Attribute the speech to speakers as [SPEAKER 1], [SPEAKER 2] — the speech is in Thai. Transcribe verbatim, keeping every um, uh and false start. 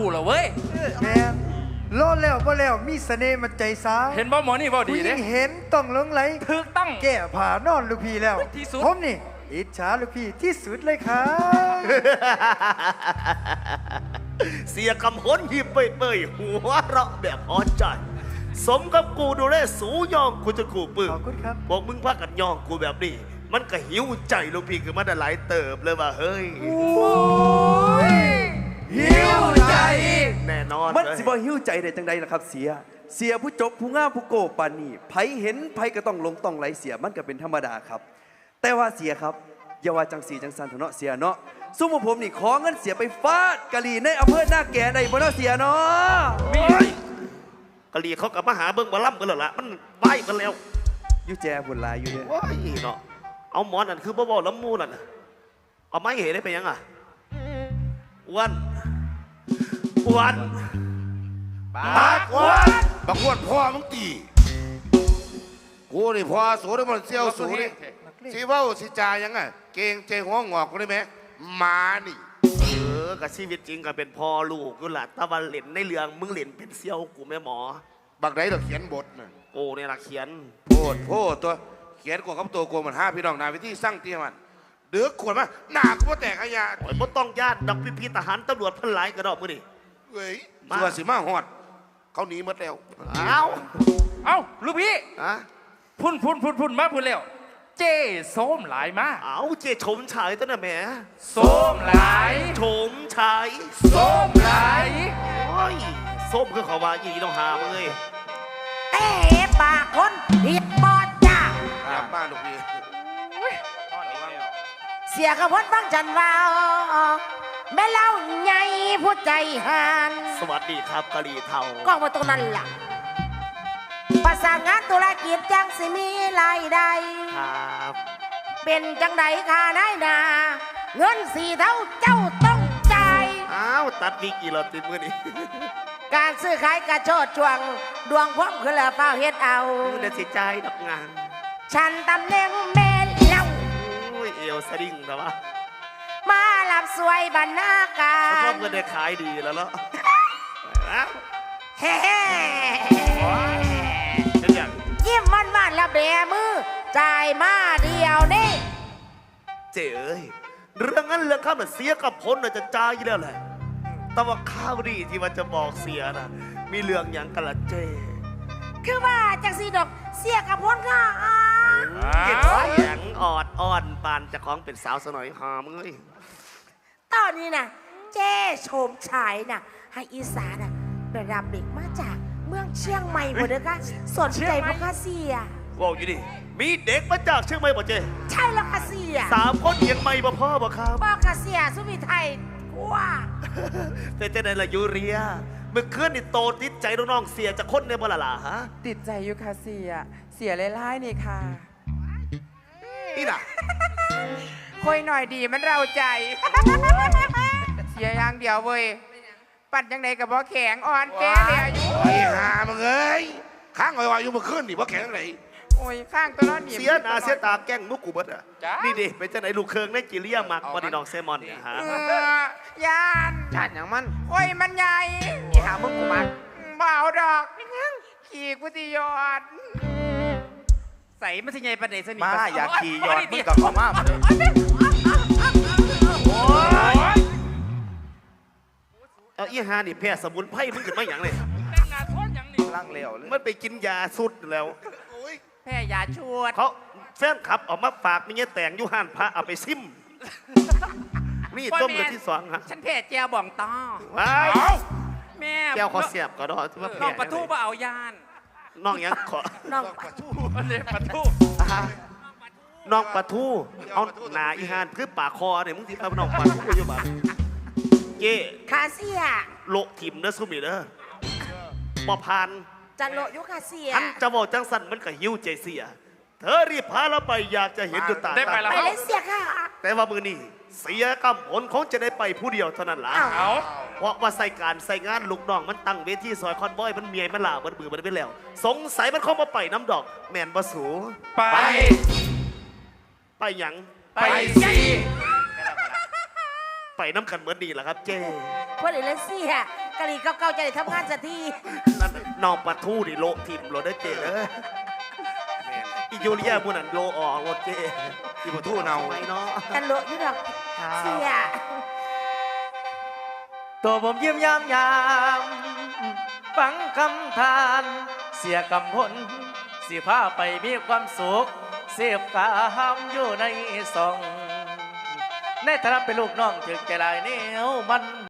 [SPEAKER 1] กูเหรอเว้ย
[SPEAKER 2] แม่โลดแล้วบ่แล้วมีเสน่ห์มันใจสาว
[SPEAKER 1] เห็นบ่หมอนี่บ่ดีเด้
[SPEAKER 2] เห็นต้องหลงไหล
[SPEAKER 1] ถูกต้อง
[SPEAKER 2] แก่ผ่านอนลูกพี่แล้ว
[SPEAKER 1] ที่สุด
[SPEAKER 2] ผมนี่อิจฉาลูกพี่ที่สุดเลยครับ
[SPEAKER 3] เสียกำหนหิบเปยๆหัวเราะแบบพอใจสมกับกูดูแลสูยองกูจะกูปึ้ง
[SPEAKER 2] ขอบคุณครับ
[SPEAKER 3] พวกมึงพากันยองกูแบบนี้มันก็หิวใจลูกพี่คือมันได้หลายเติบเลยว่าเฮ้ย
[SPEAKER 2] หิวใจ
[SPEAKER 3] แน่นอน
[SPEAKER 4] มันสิบ่หิวใจได้จังใดล่ะครับเสียเสียผู้จบผู้งามผู้โกปานนี่ไผเห็นไผก็ต้องลงต้องไหลเสียมันก็เป็นธรรมดาครับแต่ว่าเสียครับอย่าว่าจังสีจังสันเถอะเนาะเสียเนาะซุ่มผมนี่ขอเงินเสียไปฟาดกะหรี่ในอำเภอหน้าแก่ได้บ่เนาะเสียเนาะ
[SPEAKER 3] มีกะหรี่เขากับมาหาเบิ้งมาล่ำกันแล้วล่ะมันไปกันแล้ว
[SPEAKER 4] อยู่แจบุญลายอยู่เนี่ย
[SPEAKER 3] ว้ายเนาะเอาหมอนนั่นคือบ่บ่ล้ำมูนั่นเอาไม้เห็นได้ไปยังอ่ะวันวัน
[SPEAKER 5] ปากวันบักวันพ่อมึงตีกูนี่พ่อสูได้มันเซี่ยวสูนี่สิว่าสิจายังไงเก่งใจหัวงอกกูได้ไหมมานี่
[SPEAKER 3] เออกับชีวิตจริงก็เป็นพ่อลูกกูล่ะตะวันเล่นในเรื่องมึงเล่นเป็นเซี่ยวกูแม่หมอ
[SPEAKER 5] บักไหนเราเขียนบทน่ะ
[SPEAKER 3] โอ้เนี่ยละเขียน
[SPEAKER 5] โพดโพดตัวเขียนกว่ากับตัวกูมันห้าพี่น้องนาวิธีสร้างเตี้ยมันเดือดขวดมาหนากูว่าแตกขยะ
[SPEAKER 3] โอ้ยบ่ต้องญาติดอกพี่พี่ทหารตำรวจพันหลายกระดอกมือนี่
[SPEAKER 5] เฮ้ยตัวสิมาหอดเขาหนีหมดแล้ว
[SPEAKER 3] เอ้า
[SPEAKER 1] เอ้าลูกพี่
[SPEAKER 3] อะ
[SPEAKER 1] พุ่นพุ่นพุ่นพุ่นมาพุ่นแล้วเจ้ส้มหลายมา
[SPEAKER 3] เอ้าเจ้ชมชายตั้งแต่แม่
[SPEAKER 1] ส้มหลาย
[SPEAKER 3] ชมชาย
[SPEAKER 1] ส้มหลาย
[SPEAKER 3] โอ้ยส้มคือเขาว่าอีต้องหามึงเลย
[SPEAKER 6] เอ๊ะปากคนผิดบอดจ้า
[SPEAKER 5] อยากบ้านลูกพี่
[SPEAKER 6] เสียกระพนฟังจันว่าแม่เล่าใหญ่ผู้ใจหัน
[SPEAKER 3] สวัสดีครับกะหรี่เทา
[SPEAKER 6] ก็มาตรงนั้นล่ะภาษางานธุรกิจจังสิมีรายได้
[SPEAKER 3] ครับ
[SPEAKER 6] เป็นจังไดค่าได้นาเงินสี่เท่าเจ้าต้องจ่าย
[SPEAKER 3] อ้าวตัดวิกอีหลอดติดมือนี่
[SPEAKER 6] การซื้อขายกระโชดช่วงดวงพร้อมคือละเฝ้าเฮ็ดเอา
[SPEAKER 3] เดี๋ยวสิใจดอกงาน
[SPEAKER 6] ฉันตำแหน่งแม่เล่า
[SPEAKER 3] โอ้ยเอวสดิ้งแต่ว่า
[SPEAKER 6] มาหลับสวยบรรณาการ
[SPEAKER 3] ชอบเงินได้ขายดีแล้วเนาะ
[SPEAKER 6] เฮ้ยิ้มมันมันแล้วแบมือจ่ายมาเดียวนี่
[SPEAKER 3] เจ๋เอ้ยเรื่องนั้นเรื่องข้ามน่ะเสียกับพ้นน่ะจะจ่ายอยู่แล้วแหละแต่ว่าข้าวดีที่มันจะบอกเสียนะมีเรื่องอย่างกันละเจ
[SPEAKER 6] คือว่าจังสีดอกเสียกับพ้นค่ะ
[SPEAKER 3] เก็บเสียงออดอ่อนปานจะคล้องเป็นสาวสนอยหอมเลย
[SPEAKER 6] ตอนนี้นะเจ้โฉมฉายนะให้อีสานนะไปรับเด็กมาจากเมืองเชียงใหม่หมดเลยค่ะสนใจพวกข้าเสีย
[SPEAKER 3] ว้าวอยู่ดิมีเด็กมาจากเชียงใหม่บ่เจ
[SPEAKER 6] ใช่แล้วค่ะเสีย
[SPEAKER 3] สามคนเชียงใหม่บ่พ่อบ่ครับ
[SPEAKER 6] พ่อข้าเสียสุวิไทยว้า
[SPEAKER 3] แต่เจ้าไหนล่ะยูเรียเมื่อคืนนี่โตติดใจน้องๆเสียจะคนในบ่ละล่ะฮะ
[SPEAKER 7] ติดใจอยู่ค่ะเสียเสียไล่ๆนี่ค่ะ
[SPEAKER 3] นี่น่ะ
[SPEAKER 7] คุยหน่อยดีมันเราใจเสียอย่างเดียวเว้ยปั่นยังไงกับบ่แข็งอ่อนแก่เลยอายุ
[SPEAKER 5] ไอ้ห่ามึงเอ้ยข้างอ่อยๆอยู่เมื่อคืนนี่บ่แข็งไหน
[SPEAKER 7] โอ้ยข้างตัวน้อน
[SPEAKER 3] เสียหน้าเสียตาแก้งมุกกูเบิดอ่ะนี่ดิเป็นเจ้าไหนลูกเคิงในจิเลียมักวันนี้น้องเซมอนเนี่ยฮะ
[SPEAKER 7] ยาน
[SPEAKER 5] ยานอย่างมัน
[SPEAKER 7] โอ้ยมันใหญ่
[SPEAKER 5] อีหามึงกูมัน
[SPEAKER 7] เบาดอกขี่กุฏิยอดใส่มันสิใหญ่ประเดี๋ยวสนิท
[SPEAKER 4] มาอยากขี่ยอดมึงกับเขามากเลย
[SPEAKER 3] โอ้ยเอาอีหานี่แพ้สมุนไพรมึงขึ้นมาอย่างเลย
[SPEAKER 1] แต่งงานโทษอย่างนี้
[SPEAKER 4] ร่างเหลวเลย
[SPEAKER 3] มันไปกินยาสุดแล้ว
[SPEAKER 7] แพ้ยาชวด
[SPEAKER 3] เขาแฟนขับออกมาฝากมีเงี้ยแต่งยุห้านพระเอาไปซิมนี่ต้มเดือนที่สองฮะ
[SPEAKER 7] ฉันแพ้เจียวบ่องต้อ
[SPEAKER 3] ว้าว
[SPEAKER 7] แม่
[SPEAKER 3] แก้วขอเสียบก็ได้ที่ว่าแพ้
[SPEAKER 7] น้องปะทูบ่เอายาน
[SPEAKER 3] น้องยังขอ
[SPEAKER 6] น้อง
[SPEAKER 3] ปะทู
[SPEAKER 1] เลยปะทู
[SPEAKER 3] น้องปะทูเอาหนาอีหานคือปากคอเนี่ยมึงที่เอาน้องปะทูอยู่บ้านเย่
[SPEAKER 6] คาเซีย
[SPEAKER 3] โลทิมเนื้อสุมิเด้อปอพัน
[SPEAKER 6] จันโลยุคาเซีย
[SPEAKER 3] อันจะบอกจังสันมันก็หิวใจเสียเธอรีบพาเราไปอยากจะเห็นจุดตา
[SPEAKER 1] ได้ไปแล้ว
[SPEAKER 6] ไปเลยเสียค่ะ
[SPEAKER 3] แต่ว่ามือนี่เสียกำผลคงจะได้ไปผู้เดียวเท่านั้นล่ะเพราะว่าใส่การใส่งานลูกน้องมันตั้งเวทีซอยคอนบอยมันเมียมันหล่ามันบือมันไปแล้วสงสัยมันเข้ามาไปน้ำดอกแมนบะสู
[SPEAKER 1] ไป
[SPEAKER 3] ไปหยัง
[SPEAKER 1] ไปสิ
[SPEAKER 3] ไปน้ำกันเหมือนดีแหละครับเจ้
[SPEAKER 6] พอดีเลยเสียกกะหรี่เก่าๆจะได้ทำงานสักที
[SPEAKER 3] นั่นน้องปะทูดิโลทิมโลได้เจเอ้ยอียูเรียมูนันโลออกโลเจ
[SPEAKER 5] อีปะทูเนา
[SPEAKER 3] ไม่เนาะ
[SPEAKER 6] กันโลอยู่ดอกเสีย
[SPEAKER 8] ตัวผมยิ้มยามยามฟังคำทาน เสียกำพลสิพาไปมีความสุข เสียบกามอยู่ในซอง ในฐานะเป็นลูกน้องถึงใจลายเหนียวมัน